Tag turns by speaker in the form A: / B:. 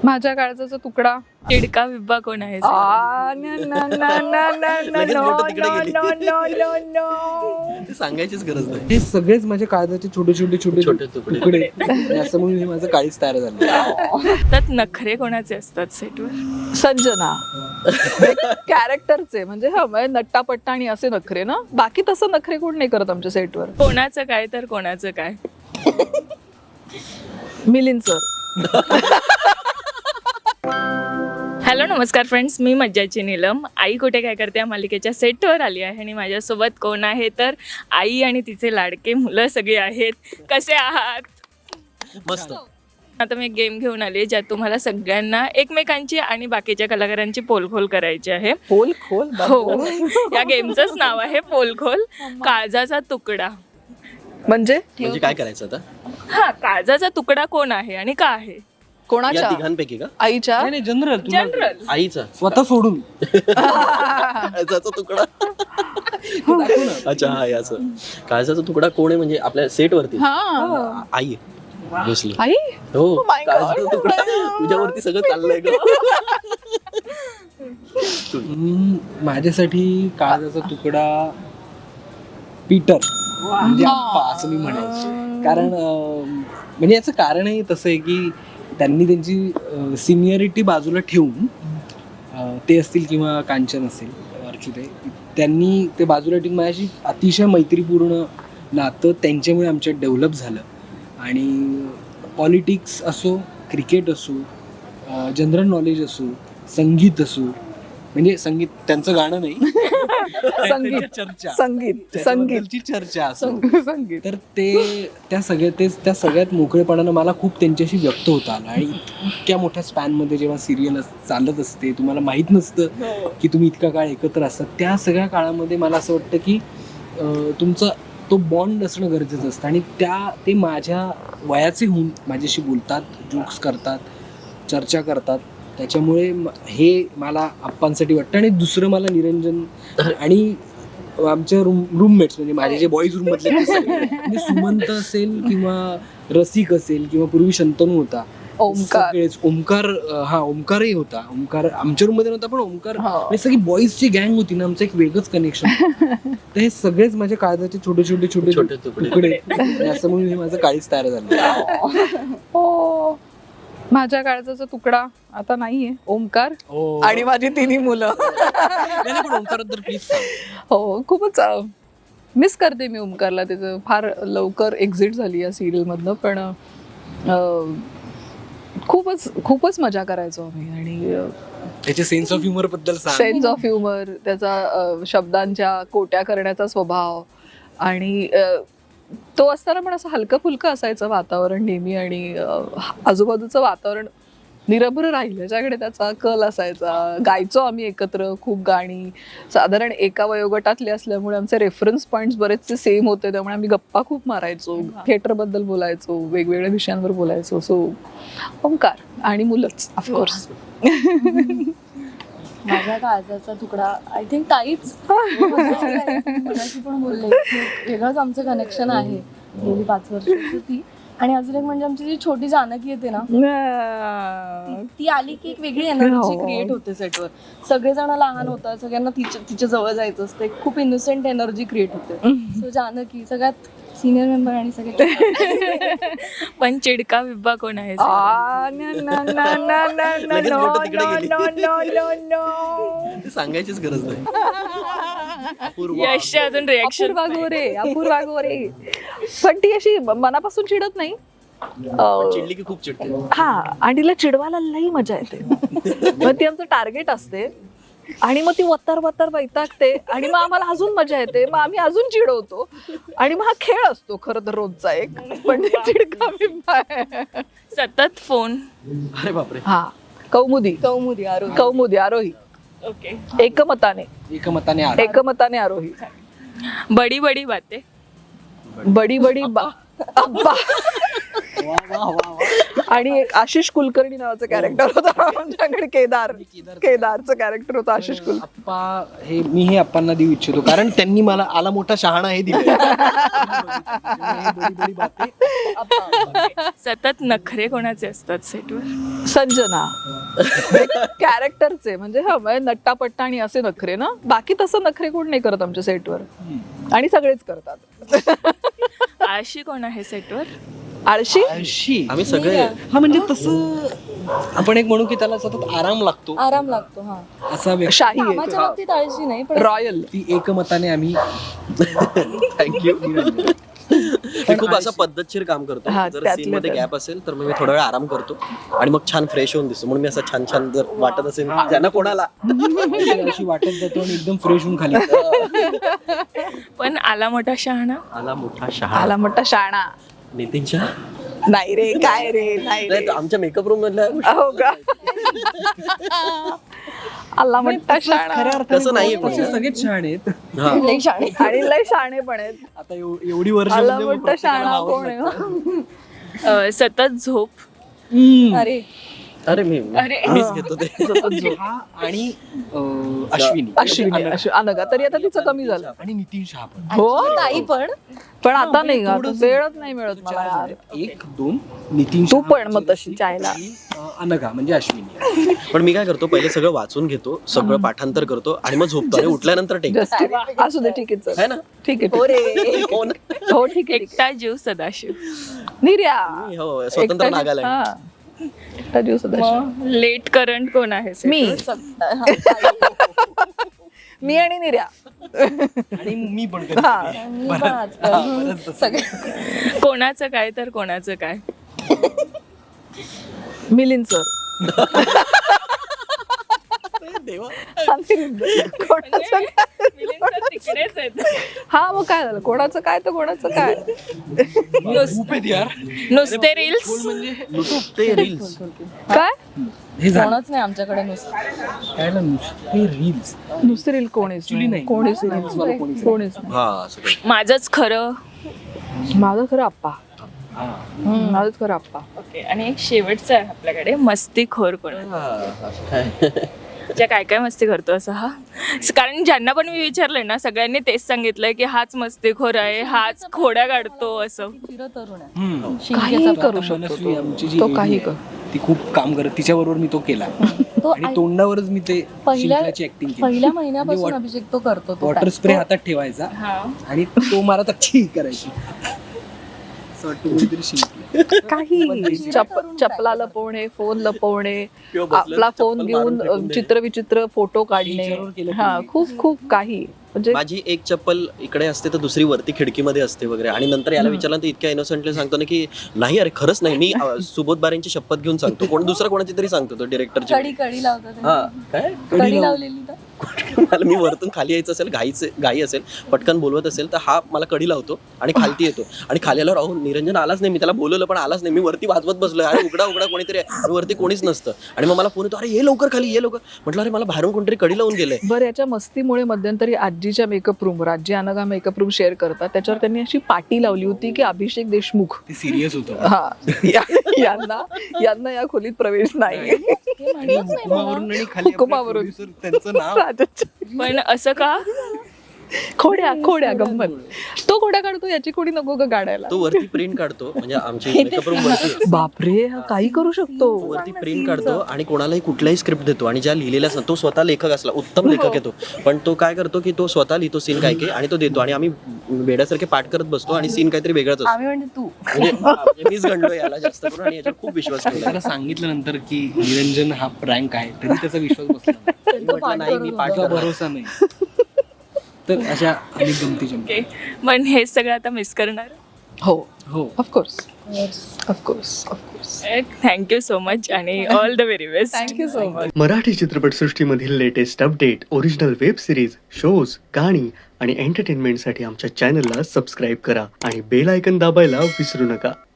A: माझ्या काळजाचा तुकडा.
B: चिडका बिब्बा कोण आहे?
C: ते सांगायचीच गरज नाही. हे सगळेच माझ्या काळजाचे छोटे छोटे छोटे छोटे तुकडे असं म्हणून हे माझं काळीच तयार झालं.
B: त्यात नखरे कोणाचे असतात सेटवर?
A: संजना कॅरेक्टरचे म्हणजे नट्टापट्टा आणि असे नखरे ना. बाकी तसं नखरे कोण नाही करत आमच्या सेटवर.
B: कोणाचं काय तर कोणाचं काय?
A: मिलिंद सर.
B: हॅलो नमस्कार फ्रेंड्स, मी मज्जाची नीलम. आई कुठे काय करते या मालिकेच्या सेटवर आली आहे आणि माझ्यासोबत कोण आहे तर आई आणि तिचे लाडके मुलं सगळे आहेत. कसे आहात?
C: मस्त.
B: आता मी एक गेम घेऊन आली ज्यात तुम्हाला सगळ्यांना एकमेकांची आणि बाकीच्या कलाकारांची पोलखोल करायची आहे.
A: पोलखोल?
B: हो, या गेमचंच नाव आहे पोलखोल. काळजाचा तुकडा.
A: म्हणजे
C: काय करायचं आता?
B: हा, काळजाचा तुकडा कोण आहे आणि का आहे?
A: कोणाच्या?
C: तिघांपैकी का?
A: आईच्या?
C: नाही जनरल.
B: जनरल.
C: आईचा स्वतः सोडून काळजाचा तुकडा. अच्छा, हा याचं काळजाचा तुकडा कोण आहे म्हणजे आपल्या सेट वरती आई बसली.
A: आई?
C: हो, काळजाचा तुकडा. तुझ्यावरती सगळं चाललंय ग. माझ्यासाठी काळजाचा तुकडा पीटर म्हणजे आप्पा असं मी म्हणेन. कारण म्हणजे याचं कारणही तसं आहे की त्यांनी त्यांची सिनियरिटी बाजूला ठेवून ते असतील किंवा कांचन असेल अर्चुते, त्यांनी ते बाजूला ठेवून माझ्याशी अतिशय मैत्रीपूर्ण नातं त्यांच्यामुळे आमच्यात डेव्हलप झालं. आणि पॉलिटिक्स असो, क्रिकेट असो, जनरल नॉलेज असो, संगीत असो, म्हणजे संगीत त्यांचं गाणं नाही, संगीतची चर्चा असो, तर त्या सगळ्यात मोकळेपणानं मला खूप त्यांच्याशी व्यक्त होता आलं. आणि इतक्या मोठ्या स्पॅनमध्ये जेव्हा सिरियल चालत असते, तुम्हाला माहीत नसतं की तुम्ही इतका काळ एकत्र असतात, त्या सगळ्या काळामध्ये मला असं वाटतं की तुमचा तो बॉन्ड असणं गरजेचं असतं. आणि ते माझ्या वयाचे होऊन माझ्याशी बोलतात, जोक्स करतात, चर्चा करतात. त्याच्यामुळे हे मला आप्पांसाठी वाटतं. आणि दुसरं मला निरंजन आणि आमच्या रूममेट्स म्हणजे माझे जे बॉईज रूम मधले म्हणजे सुमंत असेल किंवा रसिक असेल किंवा पूर्वी शंतनू होता, ओमकारही होता. ओमकार आमच्या रूम मध्ये नव्हता, पण ओमकार सगळी बॉईजची गँग होती ना, आमचं एक वेगळंच कनेक्शन. तर हे सगळेच माझ्या काळजाचे छोटे छोटे छोटे छोटे तुकडे असं म्हणून हे माझं काळीच तयार झालं.
A: माझ्या काळजाचा तुकडा आता नाहीये. ओमकार आणि माझी तिन्ही मुलं.
C: ओमकार प्लीज.
A: हो, खूपच मिस करते मी ओमकारला. त्याचं फार लवकर एक्झिट झाली या सिरियल मधनं, पण खूपच मजा करायचो आम्ही. आणि
C: त्याचे सेन्स ऑफ ह्युमर बद्दल
A: सेन्स ऑफ ह्युमर, त्याचा शब्दांच्या कोट्या करण्याचा स्वभाव, आणि तो असताना पण असं हलकं फुलकं असायचं वातावरण नेहमी. आणि आजूबाजूचं वातावरण निरभ्र राहिलं याच्याकडे त्याचा कल असायचा. गायचो आम्ही एकत्र खूप गाणी. साधारण एका वयोगटातले असल्यामुळे आमचे रेफरन्स पॉईंट्स बरेचसे सेम होते, त्यामुळे आम्ही गप्पा खूप मारायचो, थिएटरबद्दल बोलायचो, वेगवेगळ्या विषयांवर बोलायचो. सो ओमकार आणि मुलंच ऑफकोर्स.
D: माझ्या काळजाचा तुकडा आय थिंक ताईच मगाशी पण बोलले, वेगळंच आमचं कनेक्शन आहे गेली 5 वर्षाची ती. आणि अजून एक म्हणजे आमची जी छोटी जानकी येते ना, ती आली की एक वेगळी एनर्जी क्रिएट होते सेटवर. सगळेजण लहान होतात, सगळ्यांना तिच्या जवळ जायचं असतं, खूप इनोसेंट एनर्जी क्रिएट होते. सो जानकी सगळ्यात सिनियर मेंबर आणि सगळे.
B: पण चिडका बिब्बा कोण आहे?
C: सांगायचीच गरज नाही.
B: यश अजून रिएक्शन.
A: अपूर्वा गोरे. पण ती अशी मनापासून चिडत नाही,
C: चिडली की खूप चिडते.
A: हा, आणि तिला चिडवायला लई मजा येते. मग ती आमचं टार्गेट असते आणि मग ती वत्तर वैतागते आणि मग आम्हाला अजून मजा येते, मग आम्ही अजून चिडवतो. आणि मग हा खेळ असतो खरं तर रोजचा एक. पण चिडका बिब्बा आहे.
B: सतत फोन.
C: अरे बापरे.
A: हा, कौमुदी आरोही.
B: ओके.
A: एकमताने आरोही.
B: बडी बडी बाते.
A: बडी बडी अब्बा. आणि एक आशिष कुलकर्णी नावाचं कॅरेक्टर होतं आमच्याकडे, केदारचं कॅरेक्टर होतं आशिष कुलकर्णी.
C: आप्पा मी हे आप्पांना देऊ इच्छितो, कारण त्यांनी मला आला मोठा शहाणा हे दिलं.
B: सतत नखरे कोणाचे असतात सेटवर?
A: संजना कॅरेक्टरचे म्हणजे नट्टापट्टा आणि असे नखरे ना, बाकी तसं नखरे कोण नाही करत आमच्या सेटवर, आणि सगळेच करतात.
B: आळशी कोण आहे सेटवर?
A: आळशी
C: आम्ही सगळे. हा म्हणजे तसं आपण एक म्हणू की त्याला सतत आराम लागतो
D: हा.
C: असा व्यक्ती.
A: शाही आहे
D: कामाच्या बाबतीत आळशी नाही, पण
A: रॉयल.
C: ती एकमताने आम्ही
E: थँक्यू. मी खूप असं पद्धतशीर काम करतो.
A: हा,
E: जर
A: त्यातलं
E: सीन मध्ये
A: त्यात.
E: गॅप असेल तर मग मी थोडा वेळ आराम करतो आणि मग छान फ्रेश होऊन दिसतो. म्हणून मी असं छान छान जर वाटत असेल ज्यांना कोणाला
C: अशी वाटत जातो आणि एकदम फ्रेश होऊन खाली.
B: पण आला मोठा शहाणा?
E: आला मोठा शहा.
A: आला मोठा शाणा.
E: नितीन शहा
A: नाही रे, काय रे, नाही रे.
E: नाही, तो आमच्या मेकअप रूम मधल्या
A: हो का? आला मोठा शाणा.
C: खऱ्या अर्थाने
E: तसं नाहीये
C: तसे
E: पण.
C: सगळेच छान आहेत.
E: हा.
D: लई शाणे.
A: आणि लय शाणे पण आहेत.
C: आता एवढी वर्ष
A: आला मोठा शाणा कोण आहे?
B: सतत झोप?
D: अरे
E: अरे मीच घेतो ते.
C: आणि अश्विनी
A: अनघा तरी आता तिचं कमी झालं.
C: आणि नितीन शहा पण.
A: हो
D: ताई पण
A: पण आता नाही, आता वेळच नाही मिळत मला यार.
C: 1 2 नितीन
A: तू
C: शहा,
A: पण मग तशी चायला.
C: अनघा म्हणजे अश्विनी.
E: पण मी काय करतो, पहिले सगळं वाचून घेतो, सगळं पाठांतर करतो आणि मग झोपतो आणि उठल्यानंतर टेक.
A: Just असू दे, ठीक आहे,
E: है
A: चल.
E: ना?
A: ठीक आहे, हो रे,
E: हो ना?
A: हो ठीक आहे, ठीक
B: एकटा जीव सदाशिव?
A: निर्या.
E: मी हो स्वतंत्र नागालँड.
A: हा. एकटा जीव सदाशिव.
B: मग लेट करंट कोण आहे set
A: मी
B: वर?
A: मी आणि निर्या.
C: आणि मी पण कधी.
A: हा.
D: मी पण आजकाल सगळे
B: कोणाचं काय तर कोणाचं काय?
A: मिलिंद सर. कोणाचं काय?
B: मिलिंद sir तिकडेच आहेत.
A: हा मग काय झालं, कोणाचं काय तर कोणाचं काय.
C: खूप आहेत यार.
B: नुसते रील्स?
E: ते रील्स
A: काय
C: हे झालं
D: कोणच नाही आमच्याकडे नुसतं.
C: काय ना, नुसते रील्स.
A: नुसते रील कोणीच
C: नाही.
A: कोणीच नाही. कोणीच नाही.
E: हा असं काही.
B: माझंच खरं.
A: माझं खरं आप्पा. माझंच खरं आप्पा.
B: ओके. आणि एक शेवटचं आहे आपल्याकडे, मस्तीखोर कोण आहे?
E: हा, असं काय.
B: ज्या काय काय मस्ती करतो असं हा? कारण ज्यांना पण मी विचारलंय ना, सगळ्यांनी तेच सांगितलंय की हाच मस्तीखोर आहे, हाच खोड्या काढतो असं.
D: चिरतरुण आहे.
C: हम्म.
A: काही करू
C: मनस्वी
A: शकतो
C: आमची जी
A: तो,
C: AD
A: काही
C: आहे,
A: कर.
C: ती खूप काम करत. तिच्याबरोबर मी तो केला
D: तो
C: आणि तोंडावरच मी ते शिंकल्याची ऍक्टिंग केली.
D: पहिल्या महिन्यापासून अभिषेक तो करतो. तो
C: वॉटर स्प्रे हातात ठेवायचा
B: हा.
C: आणि तो मला छी करायची. असं वाटतं कोणीतरी शिंकलं.
A: काही चपला लपवणे, फोन लपवणे, आपला फोन घेऊन चित्रविचित्र फोटो काढणे.
C: Feature वर केलं
A: हा,
C: तुम्ही.
A: खूप खूप काही म्हणजे.
E: माझी एक चप्पल इकडे असते तर दुसरी वरती खिडकीमध्ये असते वगैरे. आणि नंतर याला विचारलं तर इतक्या इनोसंटली सांगतो ना की नाही अरे खरंच नाही, मी सुबोध बारेंची शपथ घेऊन सांगतो. कोण दुसरा कोणाची तरी सांगतो, तो डिरेक्टरची.
D: कडी लावतात.
E: हा काय
D: कडी लावलेली तर
E: मला मी वरतून खाली यायचं असेल, घाई असेल, पटकन बोलवत असेल तर हा मला कडी लावतो आणि खालती येतो. आणि खाली आल्यावर अहो निरंजन आलाच नाही, मी त्याला बोलवलं पण आलाच नाही. मी वरती वाजवत बसलोय, अरे उघडा उघडा कोणीतरी आहे. आणि वरती कोणीच नसतं. आणि मग मला फोन येतो, अरे ये लवकर खाली, ये लवकर. म्हटलं अरे मला बाहेरून कोणतरी कडी लावून गेलंय.
A: बरं, याच्या मस्तीमुळे मध्यंतरी आजीच्या मेकअप रूमवर, आजी अनघा मेकअप रूम शेअर करतात, त्याच्यावर त्यांनी अशी पाटी लावली होती की अभिषेक देशमुख
C: ते सिरियस होतं.
A: हा यांना या खोलीत प्रवेश नाही.
C: हुकुमावरून आणि खाली आपले
A: हुकुमावरून.
C: producer त्यांचं नाव.
A: राजाच्या
B: पण असं का?
A: खोड्या गंमत. तो खोड्या काढतो, याची खोडी नको का काढायला.
E: तो वरती प्रिंट काढतो, म्हणजे आमची मेकअप रूम वरती आहे.
A: बापरे, हा काही करू शकतो.
E: वरती प्रिंट काढतो आणि कोणालाही कुठलाही स्क्रिप्ट देतो. आणि ज्या लिहिलेल्या असतात, तो स्वतः लेखक असला, उत्तम लेखक आहे तो, पण तो काय करतो की तो स्वतः लिहितो सीन काय काय आणि तो देतो. आणि आम्ही वेड्यासारखे पाठ करत बसतो आणि सीन काहीतरी वेगळाच असतो.
D: आम्ही म्हणजे तू
E: म्हणजे मीच गणलो याला जास्त करून आणि याच्यावर खूप विश्वास ठेवला.
C: त्याला सांगितलं नंतर की निरंजन हा प्रँक आहे, तरी त्याचा विश्वास बसला नाही.
E: म्हटलं नाही मी पाठ
C: तुझा
E: करणार.
C: भरोसा नाही. तर अशा अनेक गमती जमती.
B: ओके. पण हे सगळं आता मिस करणार?
A: हो,
C: हो.
A: Of course of course of course.
B: Thank you so much आणि all the very best.
A: Thank you so much.
F: Marathi चित्रपटसृष्टीमधील latest update, original web series, shows, गाणी आणि एंटरटेनमेंटसाठी आमच्या चॅनलला सबस्क्राईब करा आणि बेल आयकन दाबायला विसरू नका.